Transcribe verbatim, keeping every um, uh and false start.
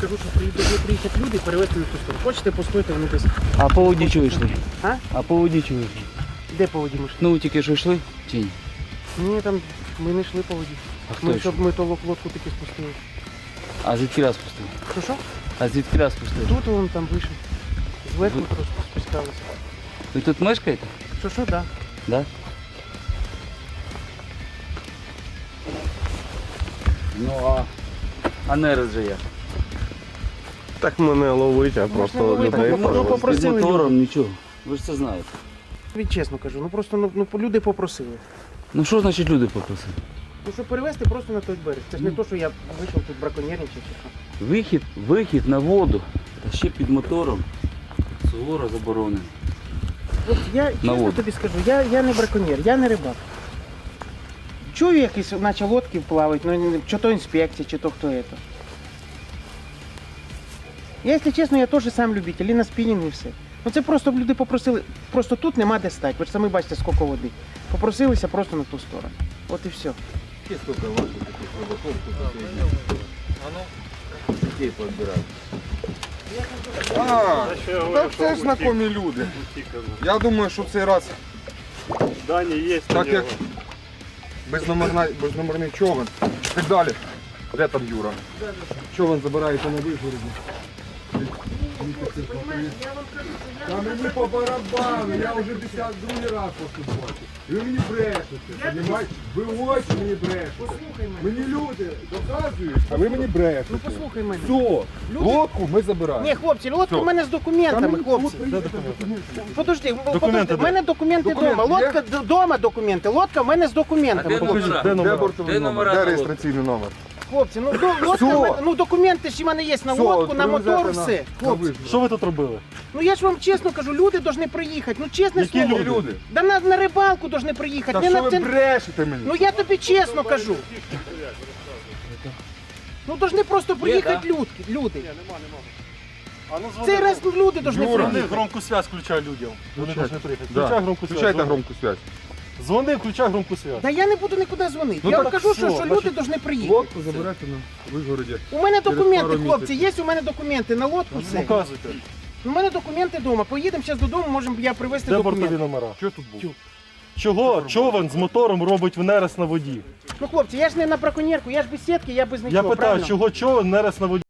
кажу, що приїдуть приїхати люди і перевезти на ту сторону. Хочете, постойте, вони десь. А по воді чого йшли? А? А по воді чого йшли? Де по воді ми йшли? Ну тільки що йшли? Чи ні? Ні, там ми не йшли по воді. А хто Ми, йшов? щоб ми то лодку таки спустили. А звідки раз пустили? Що що? А звідки раз пустили? Тут вон там вийшов. Зверху Ви- просто спускалися. Ви тут мешкаєте? Що що, да. Да? Ну а, а нерез же як? Так мене ловить, а просто ловити, людей ну, ну, порвати. попросили Під мотором нічого. Ви ж це знаєте. Тобі чесно кажу, ну просто ну, ну люди попросили. Ну що значить люди попросили? Ну щоб перевезти просто на той берег. Це ж не то, що я вийшов тут браконьєрничати чи що. Вихід, вихід на воду, та ще під мотором. Суворо заборонено. От я чесно воду. тобі скажу, я, я не браконьєр, я не рибак. Чую якісь, наче лодки плавають, ну чи то інспекція, чи то хто це. Я, якщо чесно, я теж сам любитель, і на спінінг і все. Ну це просто люди попросили, просто тут нема де стати, ви ж самі бачите, скільки води. Попросилися просто на ту сторону. От і все. Сколько ваших таких рыбаков, кто детей подбирают? А, так це ж знайомі люди. Я думаю, що в цей раз, Дані є. так як безномерна- безномерний човен і так далі. Де там Юра? Човен забирається на вигороді. Та мені по барабану, я вже десятий другий раз поступаю. І ви мені брешете, понімаєте? Ви очі мені брешете. Послухай мене. Мені люди доказують, а ви мені брешете. Ну послухай мене. Все, Люди- лодку ми забираємо. Ні, хлопці, лодка Все. в мене з документами, Там хлопці. документи. Подожди, Документи подожди, в де? мене документи Документи вдома. є? Лодка вдома документи, лодка в мене з документами. А де хлопці. номера? Де Де номера? бортовий Де номер? номера Де на реєстраційний номер? Хлопці, ну до, лодка, Все. в мене- ну документи ж в мене є на Все, лодку, на привезете мотор, на- все. на Хлопці, вигород. Що ви тут робили? ну я ж вам чесно кажу, люди повинні приїхати. Ну чесне Які слово. люди? Люди. Да на, на рибалку повинні приїхати. Та не що на ви це- брешете мені? Ну я тобі чесно кажу. Ну повинні просто приїхати люди. люди. А ну Цей раз люди повинні Юра. Вони приїхати. громку связь включай людям. Вони Включай. повинні приїхати. Да. Включай громку связь. Включайте дзвони. громку связь. Дзвони, включай громку связь. Да я не буду нікуди дзвонити. Ну я так вам кажу, що, все, що значить, люди повинні приїхати. Лодку забирайте на вигороді. У мене через документи, пару хлопці, місяців. є у мене документи на лодку, все. Показуйте. У мене документи вдома. Поїдемо зараз додому, можемо я привезти Де документи. бортові номера? Що тут був? Тю. Чого човен з мотором робить в нерест на воді? Ну хлопці, я ж не на браконьєрку, я ж без сітки, я без нічого. Я питаю, правильно? чого човен нерест на воді?